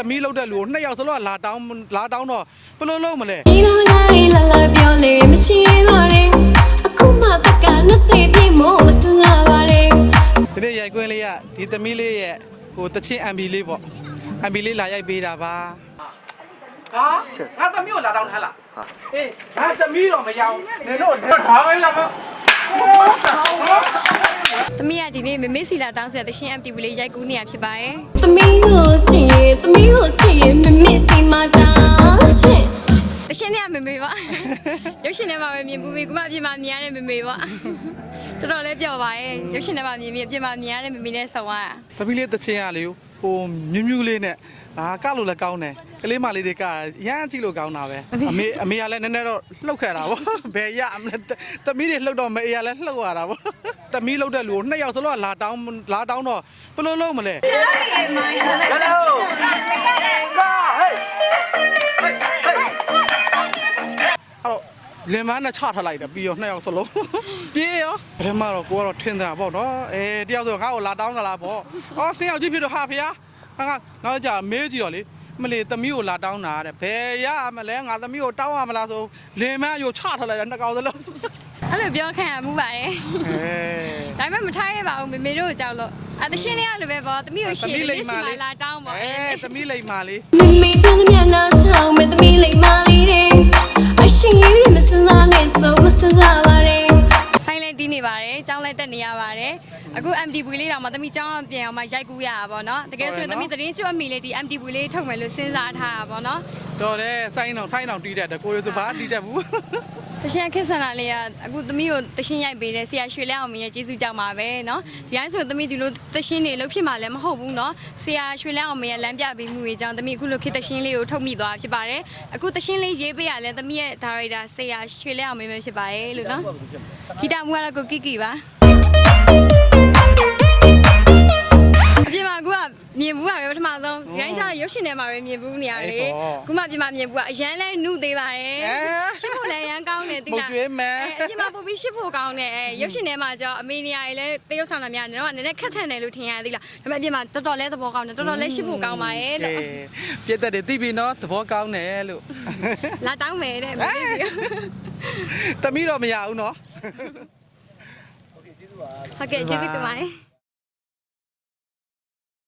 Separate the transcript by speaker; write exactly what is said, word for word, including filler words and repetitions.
Speaker 1: သမီးလောက်တဲ့လူကိုနှစ်ယောက်စလုံးကလာတောင်းလာတောင်းတော့ဘယ်လိုလုပ်မလဲ
Speaker 2: ဒီလိုလိုက်လာလာပြောလေမရှိပါနဲ့အခုမှတက်ကနှစ်စိပြည့်မို့မစငါပါနဲ့
Speaker 1: ဒီနေ့ရိုက်ခွင်းလေးကဒီသမီးလေးရဲ့ဟိုတချင်း M B လေးပေါ့ M B လေးလာရိုက်ပေးတာပါဟာငါသမီးကိုလာတောင်းထားလားအေးငါသမီးတော့မရောနေတော့ထားပဲလား
Speaker 3: သမီးကဒီနေ့မမေစီလာတောင်းဆိုတဲ့တရှင် M T V လေးရိုက်ကူးနေရဖြစ်ပါတယ်
Speaker 2: ။သမီးကိုချစ်ရင်သမီးကိုချစ်ရင်မမေစီမတောင်းချင်
Speaker 3: တရှင်နဲ့မမေပါရုပ်ရှင်ထဲမှာပဲမြင်ပူပြီးခုမှအပြင်မှာမြင်ရတဲ့မမေပါတော်တော်လေးပျော်ပါရဲ့ရုပ်ရှင်ထဲမှာမြင်ပြီးအပြင်မှာမြင်ရတဲ့မမေနဲ့ဆောင်းရ
Speaker 1: သမီးလေးတချင်းရလေဟိုမြူးမြူးလေးနဲ့အာကလို့လည်းကောင်းတယ်ကလေးမလေးတွေကရမ်းကြည့်လို့ကောင်းတာပဲအမေအမေကလည်းနည်းနည်းတော့လှုပ်ခဲ့တာပေါ့ဘယ်ရသမီးတွေလှုပ်တော့မအေးရလည်းလှုပ်ရတာပေါ့သမီးလှုပ်တဲ့လူကိုနှစ်ယောက်စလုံးကလာတောင်းလာတောင်းတော့ဘယ်လိုလုပ်မလဲ Hello အော်လင်မနဲ့ချထားလိုက်တယ်ပြီးရောနှစ်ယောက်စလုံးပြေးရောပထမတော့ကိုကတော့ထင်တာပေါ့နော်အဲတယောက်ဆိုငါ့ကိုလာတောင်းတာလားပေါ့အော်နှစ်ယောက်ကြည့်ဖြစ်တော့ဟာဖေဟာငါနောက်ကြမေးကြည့်တော့လေမလေးသမီးကိုလာတောင်းတာတဲ့ဘယ်ရမလဲငါသမီးကိုတောင်းရမလားဆိုလင်မရိုချထားလိုက်တယ်နှစ်ကောင်စလုံး
Speaker 3: အဲ့လိုပြောခံရမှုပါတယ်ဒါပေမဲ့မထားရပါဘူးမေမေတို့ကိုကြောက်လို့အတရှင်လေးကလိုပဲပေါ့သမီးကိုရှေ့လေးစီလာတောင်းပေါ့
Speaker 1: အဲသမီးလိမ္မာလေး
Speaker 2: မမေပြန်မျက်နှာချောင်းမဲ့သမီးလိမ္မာလေးတဲ့အရှင်ရည်မစင်စားနဲ့ဆိုမစင်စားပါနဲ့
Speaker 3: ဆိုင်လဲတီးနေပါတယ်ကျောင်းလဲတက်နေရပါတယ်အခု M T V လေးတောင်မှသမီးကျောင်းပြန်အောင်မှရိုက်ကူးရတာပေါ့နော်တကယ်ဆိုရင်သမီးသတင်းကျွတ်အမိလေးဒီ M T V လေးထုတ်မယ်လို့စဉ်းစားထားတာပေါ့နော်
Speaker 1: တော်တယ်ဆိုင်းအောင်ဆိုင်းအောင်တီးတတ်တယ်ကိုရီဆိုဘာတီးတတ်ဘူး
Speaker 3: တရှင်ခက်ဆန်လာလေးကအခုသမီးကိုတရှင်ရိုက်ပေးတယ်ဆရာရွှေလဲအောင်မရဲ့ကျေးဇူးကြောင့်ပါပဲเนาะဒီတိုင်းဆိုသမီးဒီလိုတရှင်တွေလှုပ်ဖြစ်မှာလည်းမဟုတ်ဘူးเนาะဆရာရွှေလဲအောင်မရဲ့လမ်းပြပေးမှုတွေကြောင့်သမီးအခုလိုခေတ်တရှင်လေးကိုထုတ်မိသွားဖြစ်ပါတယ်အခုတရှင်လေးရေးပေးရလဲသမီးရဲ့ဒါရိုက်တာဆရာရွှေလဲအောင်မပဲဖြစ်ပါတယ်လို့เนาะဂီတမူကတော့ကိုကီကီပါအပြင်မှာကမြင်ဘူးပါပဲပထမဆုံးဒီတိုင်းကျတော့ရုပ်ရှင်ထဲမှာပဲမြင်ဘူးနေရလေခုမှပြင်မှာမြင်ဘူးကအရန်လဲနှုတ်သေးပါတယ်ရှစ်ဖို့လည်းရန်ကောင်းတယ်တိလားအဲအပြင်မှာပို့ပြီးရှစ်ဖို့ကောင်းတယ်အဲရုပ်ရှင်ထဲမှာကျတော့အမေနေရည်လဲတရုပ်ဆောင်တာများတယ်တော့နည်းနည်းခက်ထန်တယ်လို့ထင်ရသေးလားဒါပေမဲ့အပြင်မှာတော်တော်လဲသဘောကောင်းတယ်တော်တော်လဲရှစ်ဖို့ကောင်းပါရဲ့လို့
Speaker 1: ပြည့်တဲ့သိပြီနော်သဘောကောင်းတယ်လို့
Speaker 3: လာတောင်းမယ်တဲ့မေးစီ
Speaker 1: တမီးတော့မရဘူးနော်
Speaker 3: ဟုတ်ကဲ့ကျေးဇူးပါဟုတ်ကဲ့ကျေးဇူးတင်ပါတယ်